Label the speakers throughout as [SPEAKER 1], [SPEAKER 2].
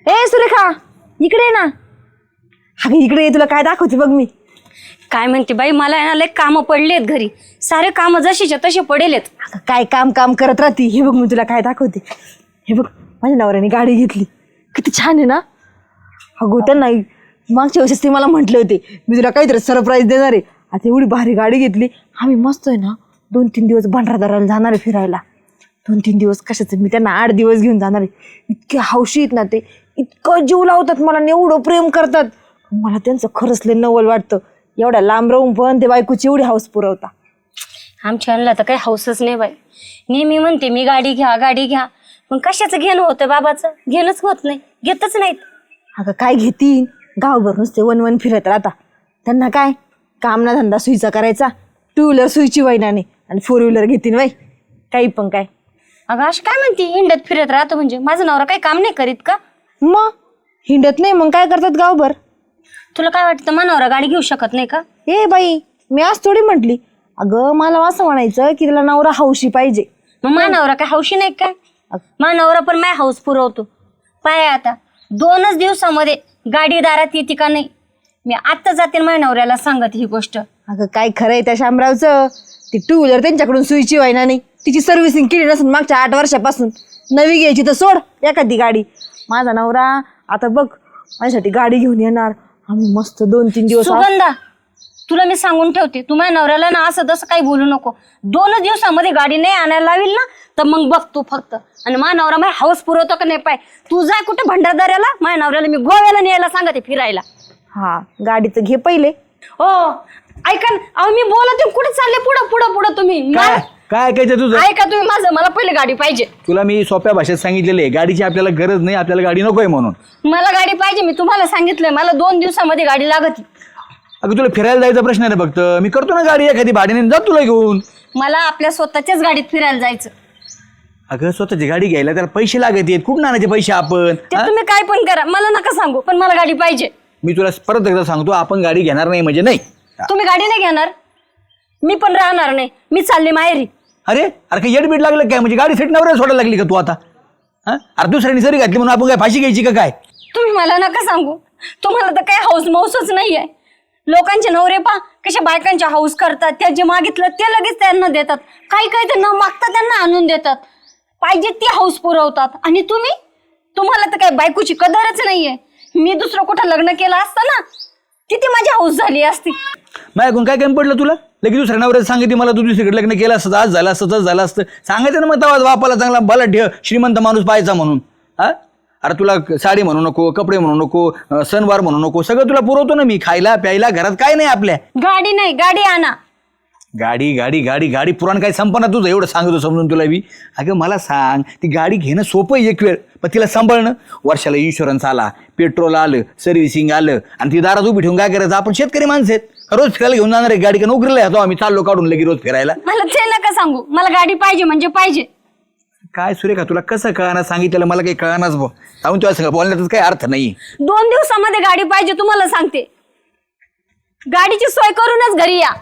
[SPEAKER 1] ए सुरेखा इकडे ये ना. अगं इकडे ये, तुला काय दाखवते बघ मी.
[SPEAKER 2] काय म्हणते बाई, मला आहे ना लय कामं पडलेत घरी. सारे काम जशीच्या तसे पडेलेत.
[SPEAKER 1] अगं काय काम काम करत राहते. हे बघ मी तुला काय दाखवते. हे बघ माझ्या नवऱ्याने गाडी घेतली, किती छान आहे ना. अगो त्यांना मागच्या वर्षीच ते मला म्हटले होते मी तुला काहीतरी सरप्राईज देणार आहे. आता एवढी भारी गाडी घेतली. आम्ही मस्त आहे ना 2-3 दिवस भंडारदऱ्याला जाणार आहे फिरायला. 2-3 दिवस कशाचं, मी त्यांना 8 दिवस घेऊन जाणार आहे. इतके हौशी आहेत ना ते, इतकं जीव लावतात मला, एवढं प्रेम करतात. मला त्यांचं खरंच लय नवल वाटतं. एवढ्या लांब राहून पण ते बायकोची एवढी हौस पुरवता.
[SPEAKER 2] आमच्या आणला तर काही हौसच नाही बाई. नेहमी म्हणते मी गाडी घ्या गाडी घ्या, पण कशाचं घेणं होतं बाबाचं, घेणंच होत नाही, घेतच नाहीत.
[SPEAKER 1] अगं काय घेतील, गावभर नुसते वन फिरत राहता. त्यांना काय काम ना धंदा सुईचा करायचा. 2 व्हीलर सुईची वैनाने आणि 4 व्हीलर घेतील बाई, काही पण काय.
[SPEAKER 2] अगं अशी काय म्हणते हिंडत फिरत राहतो म्हणजे, माझा नवरा काही काम नाही करीत का?
[SPEAKER 1] मग हिंडत नाही मग काय करतात गावभर.
[SPEAKER 2] तुला काय वाटतं माझा गाडी घेऊ शकत नाही का?
[SPEAKER 1] ए बाई मी आज थोडी म्हटली. अगं मला असं म्हणायचं की त्याला नवरा हौशी पाहिजे.
[SPEAKER 2] मग माझा नवरा काय हौशी नाही काय? माझा नवरा पण माझ्या हौस पुरवतो. पाय आता 2च दिवसामध्ये गाडी दारात येते का नाही, मी आत्ता जाते माझ्या नवऱ्याला सांगत ही गोष्ट.
[SPEAKER 1] अगं काय खरंय त्या शामरावचं. ती 2 व्हीलर त्यांच्याकडून सुईची व्हायना नाही, तिची सर्व्हिसिंग केली नसून मागच्या 8 वर्षापासून. नवी घ्यायची तर सोड एखादी गाडी. माझा नवरा आता बघ माझ्यासाठी गाडी घेऊन येणार. आम्ही मस्त 2-3 दिवस.
[SPEAKER 2] सुगंधा तुला मी सांगून ठेवते, तू माझ्या नवऱ्याला ना असं तसं काही बोलू नको. 2च दिवसामध्ये गाडी नाही आणायला लावील ना तर मग बघ तू फक्त. आणि माझा नवरा माझ्या हौस पुरवतो का नाही पाय. तू जा कुठे भंडारदऱ्याला, माझ्या नवऱ्याला मी गोव्याला न्यायला सांगते फिरायला.
[SPEAKER 1] हा गाडीचं घे पहिले.
[SPEAKER 2] हो ऐका ना, अहो मी बोलते कुठे चालले पुढं पुढं पुढं तुम्ही.
[SPEAKER 3] काय ऐकायचं तुझं?
[SPEAKER 2] ऐका तुम्ही माझं, मला पहिले गाडी पाहिजे.
[SPEAKER 3] तुला मी सोप्या भाषेत सांगितलेलं आहे गाडीची आपल्याला गरज नाही, आपल्याला गाडी नकोय म्हणून.
[SPEAKER 2] मला गाडी पाहिजे, मी तुम्हाला सांगितलंय मला 2 दिवसामध्ये गाडी लागत.
[SPEAKER 3] अगं तुला फिरायला जायचा प्रश्न आहे ना फक्त. मी करतो ना गाडी एखादी भाड्याने, जा तुला घेऊन.
[SPEAKER 2] मला आपल्या स्वतःच्याच गाडीत फिरायला जायचं.
[SPEAKER 3] अगं स्वतःची गाडी घ्यायला त्याला पैसे लागत आहेत. कुठून आणायचे पैसे आपण?
[SPEAKER 2] ते तुम्ही काय पण करा, मला नका सांगू, पण मला गाडी पाहिजे.
[SPEAKER 3] मी तुला परत एकदा सांगतो, आपण गाडी घेणार नाही म्हणजे नाही.
[SPEAKER 2] तुम्ही गाडी नाही घेणार, मी पण राहणार नाही, मी चालली माहेरी.
[SPEAKER 3] अरे अरे काही येडबीड लागलं काय? म्हणजे गाडी सेट नवऱ्याला सोडायला लागली का तू आता? अरे दुसऱ्याने सरी घातली म्हणून आपण काय फाशी घ्यायची का काय?
[SPEAKER 2] तुम्ही मला नका सांगू, तुम्हाला तर काही हौस मौसच नाहीये. लोकांचे नवरे पा कशा बायकांच्या हौस करतात, त्या जे मागितलं ते लगेच त्यांना देतात. काही काही तर न मागता त्यांना आणून देतात. पाहिजे ती हौस पुरवतात. आणि तुम्हाला तर काही बायकोची कदरच नाहीये. मी दुसरं कुठं लग्न केलं असतं ना, किती माझी हौस झाली असती.
[SPEAKER 3] माझ्याकडून काय कमी पडलं तुला? लगेच दुसऱ्या नवऱ्याला सांगितली मला तू दुसरीकडे लग्न केलं असतं, आज झालं असतं, तसं झालं असतं. सांगायचं ना मग तेव्हा बापाला चांगला भला ठेव श्रीमंत माणूस पाहायचा म्हणून. अरे तुला साडी म्हणू नको, कपडे म्हणू नको, सणवार म्हणू नको, सगळं तुला पुरवतो ना मी. खायला प्यायला घरात काय नाही आपल्या.
[SPEAKER 2] गाडी नाही, गाडी आणा.
[SPEAKER 3] गाडी गाडी गाडी गाडी पुराण काय संपणार तुझं? एवढं सांगतो समजून तुला मी. अगं मला सांग, ती गाडी घेणं सोपं आहे एक वेळ, पण तिला सांभाळणं. वर्षाला इन्शुरन्स आला, पेट्रोल आलं, सर्व्हिसिंग आलं, आणि ती दारात उभी ठेवून काय करायचं? आपण शेतकरी माणसं आहेत, रोज फिरायला घेऊन जाणार आहे गाडी का? नोकरीला येतो आम्ही, चाललो काढून लगे रोज फिरायला.
[SPEAKER 2] मला ते नका सांगू, मला गाडी पाहिजे म्हणजे पाहिजे.
[SPEAKER 3] काय सुरेखा तुला कसं कळणार? सांगितलेलं मला काही कळणारच भाऊ. सांगून तुला सगळं बोलण्यातच काही अर्थ नाही.
[SPEAKER 2] 2 दिवसामध्ये गाडी पाहिजे, तुम्हाला सांगते. गाडीची सोय करूनच घरी या.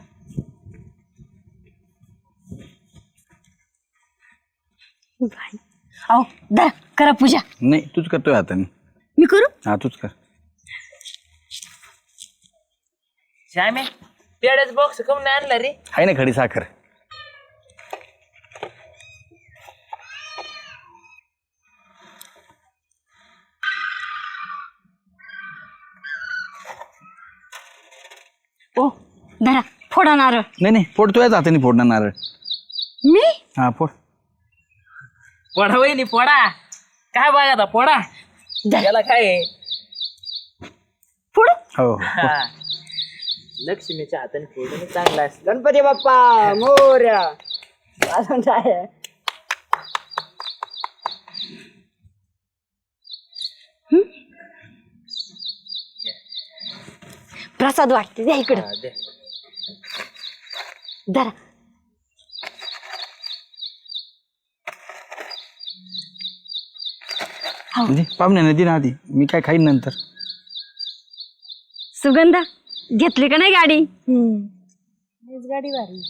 [SPEAKER 2] अहो दा करा पूजा.
[SPEAKER 3] नाही तूच करतोय आता.
[SPEAKER 2] मी करू?
[SPEAKER 3] हा तूच कर.
[SPEAKER 4] श्यामे पेड्याच बॉक्स कम नाही आणला रे?
[SPEAKER 3] आहे ना खडी साखर.
[SPEAKER 2] ओ धरा, फोडा नारळ.
[SPEAKER 3] नाही फोडतोय हाताने फोडणार नारळ.
[SPEAKER 2] मी?
[SPEAKER 3] हा फोड.
[SPEAKER 4] पोडा वहिनी पोडा. काय बघा आता पोडा, याला काय आहे?
[SPEAKER 2] फोड.
[SPEAKER 3] हो
[SPEAKER 4] हा. लक्ष्मीच्या हाताने फोडून चांगला असतं. गणपती बाप्पा मोरया. अजून काय आहे?
[SPEAKER 2] प्रसाद वाटते, द्या इकडे.
[SPEAKER 4] हा, दे.
[SPEAKER 2] धरा.
[SPEAKER 3] म्हणजे पाहुण्या नदी ना आधी, मी काय खाईन नंतर.
[SPEAKER 2] सुगंधा घेतली का नाही गाडी?
[SPEAKER 1] गाडी भारी.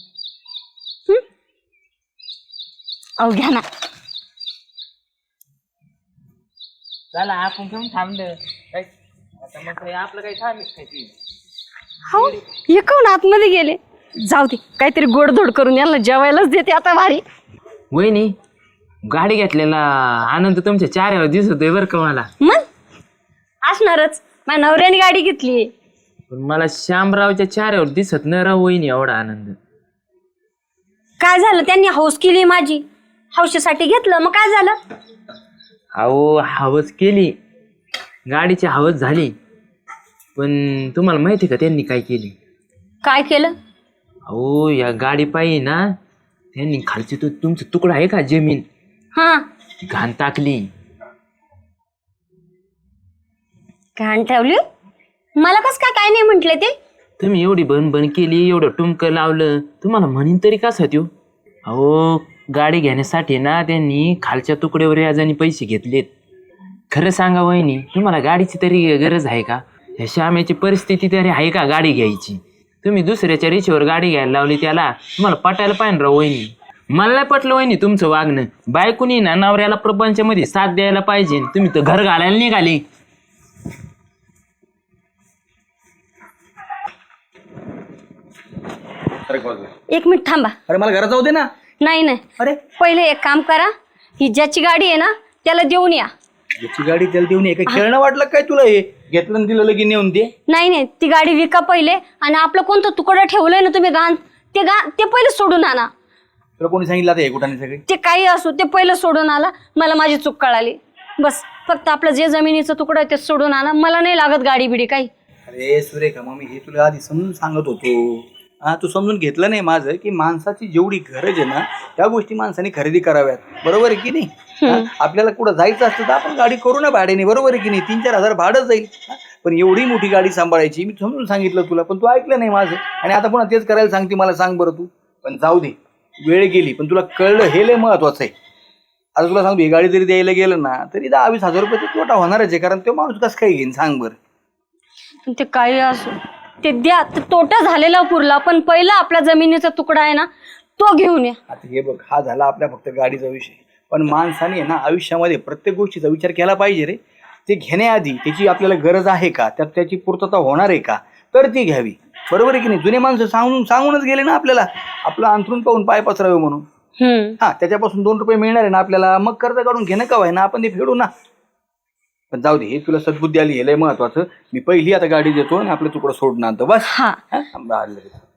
[SPEAKER 2] अहो घ्या ना.
[SPEAKER 4] चला आपण घेऊन थांबलं काय आता मग काय आपलं काही थांबच खायची.
[SPEAKER 2] हो हे कोण आतमध्ये गेले. जाऊ दे काहीतरी गोडधोड करून यांना जेवायलाच देते आता भारी.
[SPEAKER 5] वहिनी गाडी घेतलेला आनंद तुमच्या चेहऱ्यावर दिसतोय बरं का मला.
[SPEAKER 2] मग असणारच माझ्या नवऱ्याने गाडी घेतली.
[SPEAKER 5] पण मला श्यामरावच्या चेहऱ्यावर दिसत नाही राव वहिनी एवढा आनंद.
[SPEAKER 2] काय झालं त्यांनी हौस केली माझी. हौशीसाठी घेतलं मग काय झालं.
[SPEAKER 5] अहो हवस केली गाडीची हवस झाली पण तुम्हाला माहिती का त्यांनी काय केली.
[SPEAKER 2] काय केलं.
[SPEAKER 5] अहो या गाडी पायी ना त्यांनी खालची तो तुमचा तुकडा आहे का जमीन
[SPEAKER 2] हा
[SPEAKER 5] ती घाण टाकली.
[SPEAKER 2] घाण ठेवली. मला कस काय नाही म्हंटले ते.
[SPEAKER 5] तुम्ही एवढी बन केली एवढं टुमकं लावलं तुम्हाला म्हणीन तरी कसा त्यो. अहो गाडी घेण्यासाठी ना त्यांनी खालच्या तुकड्यावर याजानी पैसे घेतलेत. खरं सांगा वहिनी तुम्हाला गाडीची तरी गरज आहे का. ह्या श्यामेची परिस्थिती तरी आहे का गाडी घ्यायची. तुम्ही दुसऱ्याच्या रेषेवर गाडी घ्यायला लावली त्याला तुम्हाला पटायला पाहिजे राव वहिनी. मला नाही पटलं वहिनी तुमचं वागणं. बायकोनी ना नवऱ्याला प्रपंचामध्ये साथ द्यायला पाहिजे तुम्ही तर घर घालायला निघाले.
[SPEAKER 2] एक मिनिट थांबा.
[SPEAKER 3] अरे मला घरात जाऊ दे ना.
[SPEAKER 2] नाही नाही
[SPEAKER 3] अरे
[SPEAKER 2] पहिले एक काम करा. ही ज्याची गाडी आहे ना त्याला देऊन या.
[SPEAKER 3] याची गाडी त्याला देऊन ये. काय खेळणं वाटलं काय तुला. हे घेतलं आणि दिलं लगेच नेऊन दे.
[SPEAKER 2] नाही नाही ती गाडी विका पहिले आणि आपलं कोणतं तुकडं ठेवलंय ना तुम्ही ते पहिले सोडून आणा.
[SPEAKER 3] तुला कोणी सांगितलं आता हे कुठाने सगळे.
[SPEAKER 2] ते काही असो ते पहिलं सोडून आला. मला माझी चूक कळाली. बस फक्त आपलं जे जमिनीचं तुकडं आहे ते सोडून आणा. मला नाही लागत गाडी बिडी काही.
[SPEAKER 3] अरे सुरेखा मग मी हे तुला आधी समजून सांगत होतो. हा तू समजून घेतलं नाही माझं की माणसाची जेवढी गरज आहे ना त्या गोष्टी माणसाने खरेदी कराव्यात. बरोबर आहे की नाही. आपल्याला कुठं जायचं असतं तर आपण गाडी करू ना भाड्याने. बरोबर आहे की नाही. 3-4 हजार भाडं जाईल. पण एवढी मोठी गाडी सांभाळायची मी समजून सांगितलं तुला पण तू ऐकलं नाही माझं. आणि आता पुन्हा तेच करायला सांगते. मला सांग बरं तू. पण जाऊ दे वेळ गेली पण तुला कळलं हे लय महत्वाचं आहे. आता तुला सांगतो ही गाडी जरी द्यायला गेलं ना तरी 10-20 हजार रुपये तोटा होणारच आहे. कारण तो माणूस कसं काय घेईन सांग बरं.
[SPEAKER 2] ते काही असो ते द्या. तोटा झालेला पुरला पण पहिला आपल्या जमिनीचा तुकडा आहे ना तो घेऊन या.
[SPEAKER 3] आता हे बघ हा झाला आपल्या फक्त गाडीचा विषय. पण माणसाने ना आयुष्यामध्ये प्रत्येक गोष्टीचा विचार केला पाहिजे रे. ते घेण्याआधी त्याची आपल्याला गरज आहे का त्यात त्याची पूर्तता होणार आहे का तर ती घ्यावी. बरोबर आहे की नाही. जुने माणसं सांगूनच गेले ना आपल्याला आपलं अंथरून पाहून पाय पसरावे म्हणून. हा त्याच्यापासून 2 रुपये मिळणार आहे ना आपल्याला. मग कर्ज काढून घेणं का व्हाय ना आपण ते फेडू ना. पण जाऊ दे हे तुला सद्बुद्धी आली हे लय महत्वाचं. मी पहिली आता गाडी देतो आणि आपलं तुकडं सोडून आणतो बस.
[SPEAKER 2] हा